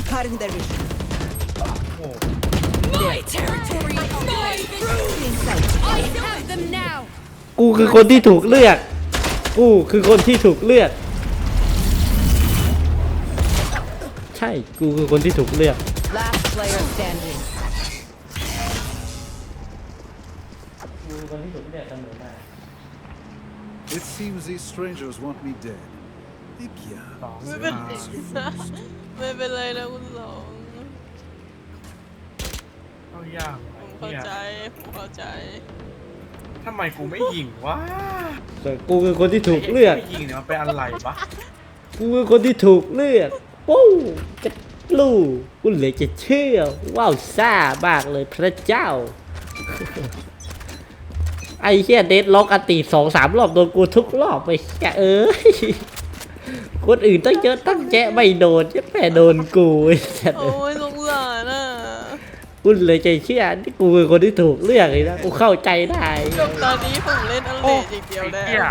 Cutting their vision. โอ้ My territory, my I have them now. กูคือคนที่ถูกเลือกกูคือคนที่ถูกเลือกใช่กูคือคนที่ถูกเลือก Last player standing. กูคนที่ถูกเลือกเสมอมา It seems these strangers want me dead. Eh bien, สองไม่เป็นไรไม่เป็นไรนะคุณสองเอายากผมเข้าเนี่ยใจผมเข้าใจทำไมกูไม่ยิงวะแต่กูคือคนที่ถูกเลือกไม่ยิงเนี่ยมันเป็นอะไรวะกูคือคนที่ถูกเลือกปู้จะลูกูเหลือจะเชื่อว้าวซ่ามากเลยพระเจ้า ไอ้เหี้ยเดดล็อกอติ2-3 รอบโดนกูทุกรอบไปแกเอ้ยคนอื่นตั้งเยอะตั้งแยะไม่โดนจะแม่โดนกูไอ้สัตว์โอ้ยสงสารอ่ะกูเลยใจเชื่อที่กูเป็นคนที่ถูกเลือกเลยนะกูเข้าใจได้จบตอนนี้ผมเล่นอัลเลดอย่างเดียวไอ้แล้วเหี้ย